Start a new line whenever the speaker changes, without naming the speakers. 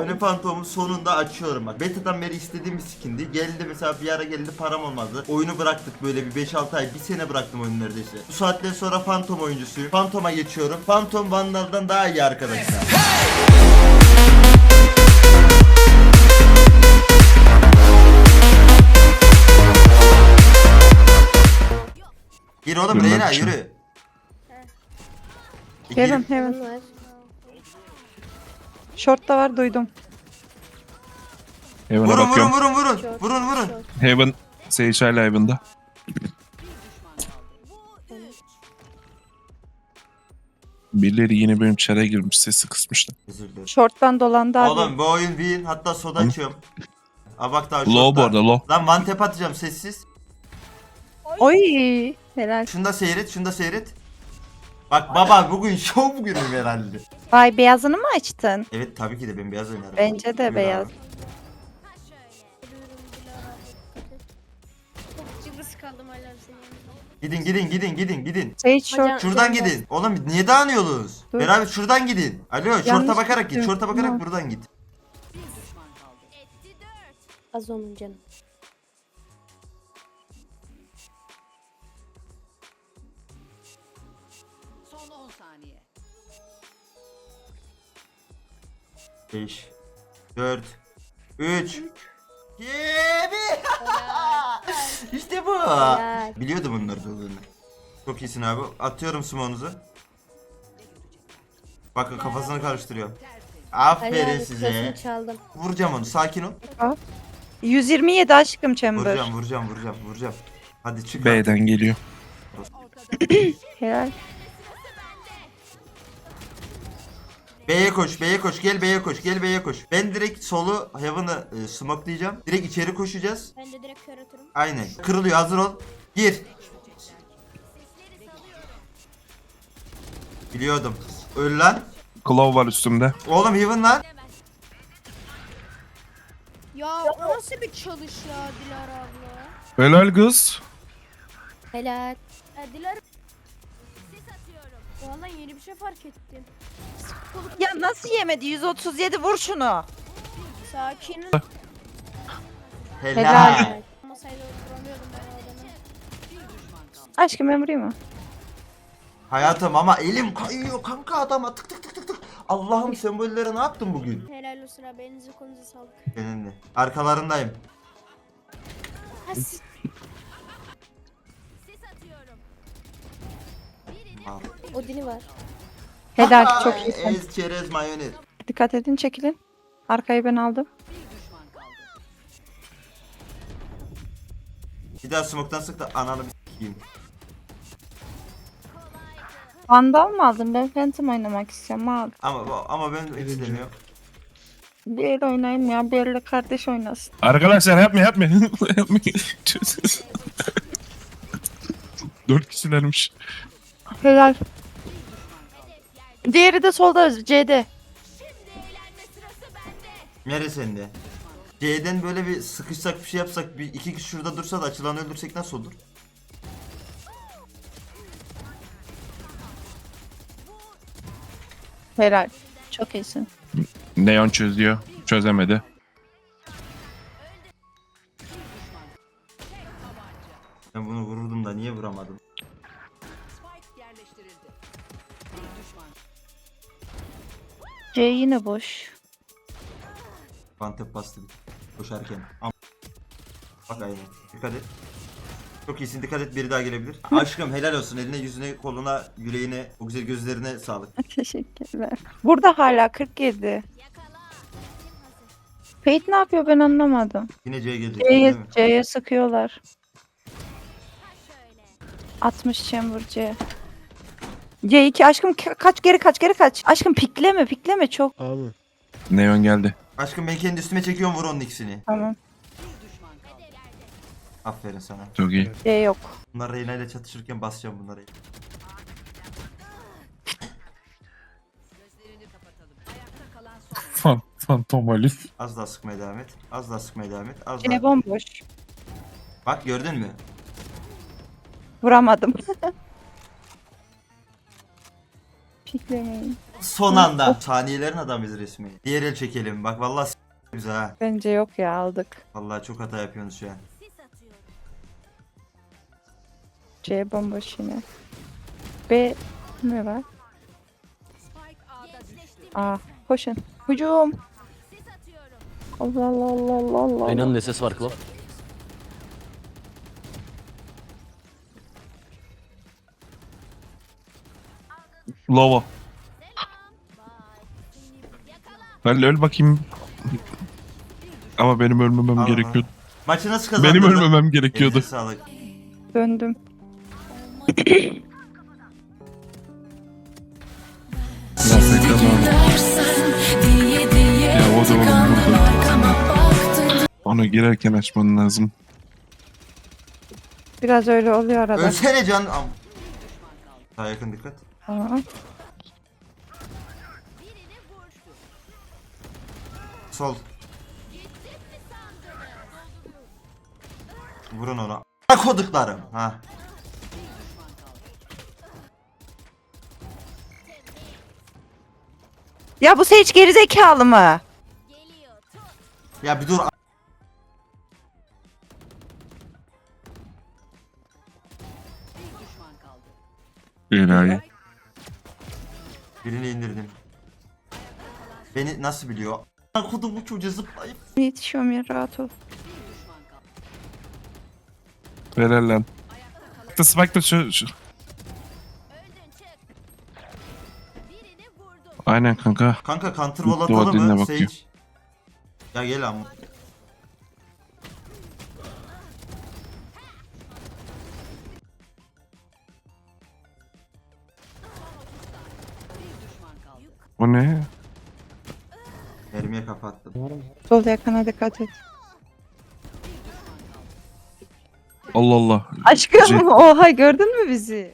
Hani Phantom'u sonunda açıyorum bak. Beta'dan beri istediğim bir skindi. Geldi mesela, bir ara geldi, param olmadı. Oyunu bıraktık böyle bir 5-6 ay. Bir sene bıraktım oyunu neredeyse. Bu saatten sonra Phantom oyuncusuyum. Phantom'a geçiyorum. Phantom Vandal'dan daha iyi arkadaşlar. Gir oğlum Reyna, yürü.
Heaven heaven.
Bunun var.
Short da var duydum.
Heaven'a
Vurun vurun
bakıyorum.
vurun vurun.
Short,
Vurun vurun.
short.
Heaven. Sage hala Heaven'da. Birileri yine benim çare girmiş. Sesi kısmışlar.
Özür dilerim.
Short'tan dolandı abi.
Oğlum bu oyun win, hatta soda açıyorum. Aa bak daha
Low bu
short'ta.
arada low.
Lan one tap atacağım sessiz.
Oy helal.
Şunu da seyret, şunu da seyret. Bak baba, bugün şov günüm herhalde.
Vay beyazını mı açtın?
Evet tabii ki de ben beyaz oynarım.
Bence de
Buyur
beyaz.
abi.
Çok cıvıs kaldım hala senin yanında.
Gidin gidin gidin gidin gidin.
Sage short.
Hocam-
Şuradan
Canım.
gidin. Oğlum niye dağınıyorsunuz?
Dur.
Beraber şuradan gidin. Alo şorta bakarak git.
gittim.
Şorta bakarak
Tamam.
buradan git.
Az onun canım.
Son 10 saniye.
5 4 3 2 1. İşte bu.
Helal.
Biliyordum bunları olduğunu. Çok iyisin abi. Atıyorum smonunuzu. Bakın kafasını karıştırıyor. Aferin
Helal,
size.
klasını çaldım.
Vuracağım onu. Sakin ol.
127 aşkım chamber.
Vuracağım. Hadi çık.
B'den geliyor.
Helal.
B'ye koş. Gel B'ye koş. Ben direkt solu Heaven'ı smokelayacağım. Direkt içeri koşacağız.
Ben de direkt kör atarım.
Aynen. Kırılıyor. Hazır ol. Gir. Biliyordum. Öl lan.
Claw var üstümde.
Oğlum Heaven lan.
Ya o nasıl bir çalış ya Dilara abla?
Helal kız.
Helal. Dilara. Vallahi yeni bir şey fark ettim.
Ya nasıl yemedi? 137 vur şunu.
Sakin.
Helal.
Helal.
Masayla vuramıyordum ben o adamı.
Aşkım ben vurayım mı?
Hayatım ama elim kayıyor kanka adama. Tık tık tık tık tık. Allah'ım sembollere ne yaptın bugün?
Helal olsun abi, elinize kolunuza sağlık.
Senin de. Arkalarındayım. Al.
O dili var.
Helal çok iyisin.
Ez çerez mayonez.
Dikkat edin çekilin. Arkayı ben aldım.
Bir daha smoke'tan sık da ananı bir s**eyim.
Vandal mı aldın? Ben Phantom oynamak istiyorum abi.
Ama ben istemiyorum.
Bir el oynayayım ya. Bir elle kardeş oynasın.
Arkadaşlar yapmayın. 4 kişilermiş.
Helal. Diğeri de solda C'de.
Neresinde? C'den böyle bir sıkışsak, bir şey yapsak, bir iki kişi şurada dursa da açılanı öldürsek nasıl olur?
Helal. Çok iyisin.
Neon çözüyor. Çözemedi.
Ben bunu vururdum da niye vuramadım?
Spike yerleştirildi. Bir düşman.
C yine boş.
Bantep bastı koşarken. Bak aynen. Dikkat et. Çok iyisin, dikkat et, biri daha gelebilir. Aşkım helal olsun, eline yüzüne koluna yüreğine o güzel gözlerine sağlık.
Teşekkürler. Burada hala 47. Fate ne yapıyor ben anlamadım.
Yine C'ye gelecek değil mi?
C'ye sıkıyorlar. 60 chamber C. C2 aşkım kaç geri kaç. Aşkım pikleme çok.
Neon geldi.
Aşkım ben kendi üstüme çekiyorum, vur onun ikisini.
Tamam.
Aferin sana.
Çok iyi.
C yok.
Bunlar Reyna ile çatışırken basacağım bunları.
Gözlerini kapatalım. Ayakta kalan son.
Phantom Alif.
Az daha sıkmaya devam et. Az daha sıkmaya devam et. Az
Yine
daha.
bomboş.
Bak gördün mü?
Vuramadım. Piklemeyin.
Son anda. Saniyelerin adamıyız resmi. Diğer el çekelim. Bak vallahi güzel ha.
Bence yok ya, aldık.
Vallahi çok hata yapıyorsunuz şu an.
C bomboş yine. B ne var?
Spike A'da düştü.
A. Koşun. Hücum. Allah Allah Allah Allah Allah.
Aynanın ne ses var Klo?
Lava. Ben öl bakayım. Ama benim ölmemem
Allah.
gerekiyordu.
Maçı nasıl kazandın?
Benim ölmemem gerekiyordu.
Elinize sağlık.
Döndüm.
Lafayı kazandım. Ya o da oğlum burada. Onu girerken açman lazım.
Biraz öyle oluyor arada.
Ölsene can. Daha yakın dikkat.
Tamam.
Sol. Vurun ona. A**a koduklarım. Ha.
Ya bu Sage gerizekalı mı?
Ya bir dur.
Bir düşman kaldı.
Enayi.
Birini indirdim. Beni nasıl biliyor? A**a kodum bu çocuğa zıplayıp.
Yetişiyorum ya, rahat ol.
Bir düşman kaldı.
Helal lan. Spike'da şu. Aynen kanka.
Kanka counter
Mutlu
wall atalım
vadine
mı
bakıyor.
Sage? Ya gel ama.
Bir düşman kaldı.
O ne?
Mermiye kapattım.
Sol yakına dikkat et.
Allah Allah.
Aşkım
Jet.
oha, gördün mü bizi?